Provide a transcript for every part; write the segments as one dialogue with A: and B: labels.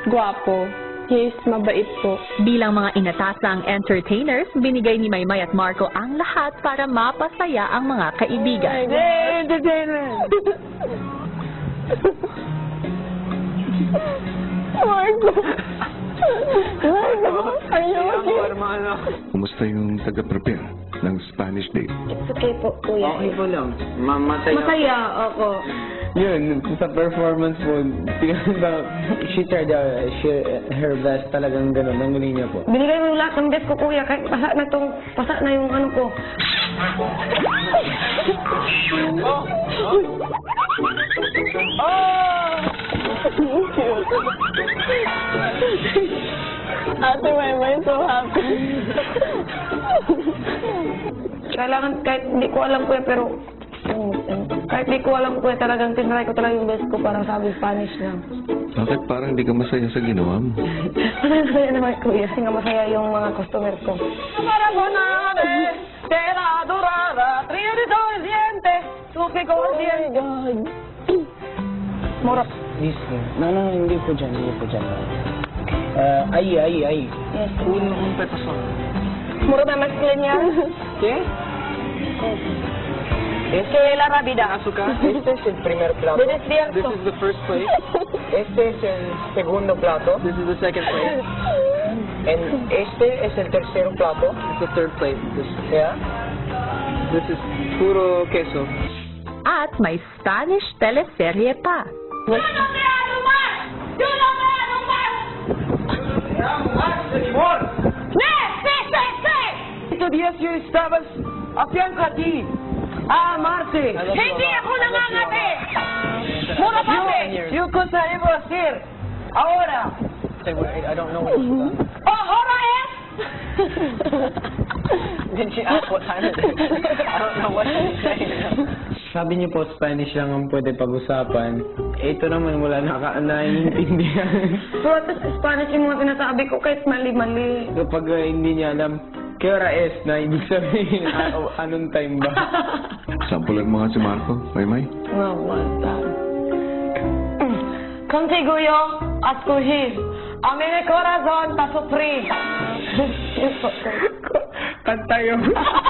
A: gwapo. He's mabait po.
B: Bilang mga inatasang entertainers, binigay ni Maymay at Marco ang lahat para mapasaya ang mga kaibigan.
A: Entertainment! Marco! Marco!
C: Kumusta yung taga-prepare ng Spanish date?
A: It's okay po, kuya.
D: Okay po lang. Masaya.
A: Ako.
D: Yun, sa performance po, she tried her best, talagang gano'n, ang galing niya po.
A: Binigay mo lahat ng best ko, kuya. Kahit pasa na yung ano ko. Ate Maymay, so happy. Kailangan, kahit hindi ko alam, kuya, pero kahit di ko alam kuya, talagang tinry ko talaga yung best ko para sabi Spanish lang.
C: Bakit parang hindi ka masaya sa ginawa mo?
A: Masaya naman kuya, kasi nga masaya yung mga customer ko. Para po nabe, tela dorada, trio de diente, suki ko ang diente. Mora.
D: This, no, hindi po dyan. Ahí.
A: Yes.
D: Un petasón.
A: Mura ba masculine yan?
D: ¿Qué?
A: Que la rabida.
D: Azúcar. Este es el primer plato.
A: De despierto.
D: This is the first plate. Este es el segundo plato. This is the second plate. And este es el tercer plato. It's the third plate. Yeah. This is puro queso.
B: At may Spanish teleserye pa.
D: Estos días yo estabas haciendo a ti. Ah, Marte.
A: Hindi ako nangangati! Mura pa
D: Yo cosa debo hacer ahora. I don't know what you
A: Oh, hora eh!
D: Then she asked what time it is. I don't know what she's saying. Sabi niyo po, Spanish lang ang pwede pag-usapan. Ito naman wala naiintindihan.
A: Pero at Spanish yung mga sinasabi ko kahit mali-mali.
D: Kapag hindi niya alam, ¿qué hora es? Na ibig sabihin, anong time ba?
C: Sampulan mo nga si Marco, Maymay.
A: Contigo yo a escoger a mi corazón para sufrir.
D: Kanta yun.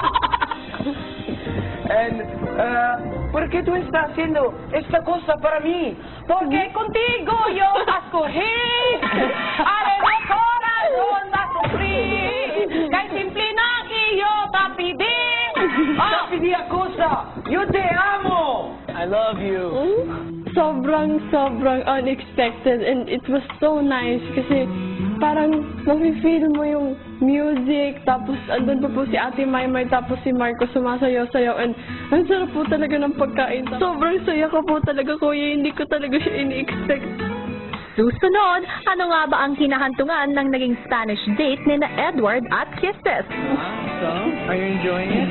D: And, ¿por qué tú estás haciendo esta cosa para mí?
A: Porque contigo yo a escoger a mi corazón para sufrir. Kahit simple na iyo tapidi.
D: Tapidi a cosa. Yo te amo. I love you.
E: Sobrang unexpected and it was so nice kasi parang mafe-feel mo yung music tapos andun pa po si Ate Maymay tapos si Marco sumasayaw-sayaw and ang sarap po talaga ng pagkain. Sobrang saya ko po talaga kuya, hindi ko talaga siya ini-expect.
B: Susunod, ano nga ba ang hinahantungan ng naging Spanish date ni na Edward at Kisses?
D: So, are you enjoying it?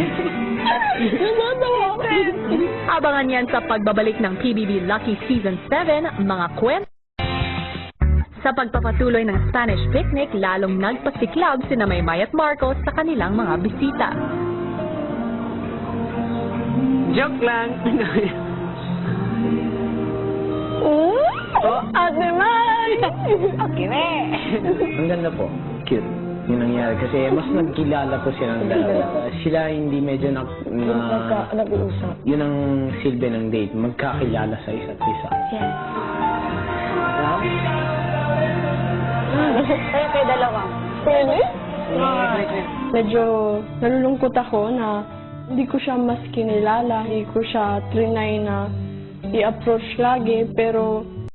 B: Abangan yan sa pagbabalik ng PBB Lucky Season 7, mga kwento. Sa pagpapatuloy ng Spanish picnic, lalong nagpasiklab sina Maymay at Marco sa kanilang mga bisita.
D: Joke lang.
A: Ate May!
D: Okay na. Ang ganda po. Cute. Yung nangyari. Kasi mas nagkilala po silang dalawa. Sila hindi medyo
A: Nag-uusap.
D: yun ang silbi ng date. Magkakilala sa isa't isa.
A: Yes. Kaya kayo dalawa.
E: Pwede? Medyo nalulungkot ako na hindi ko siya mas kinilala, hindi ko siya trinay na i-approach lagi, pero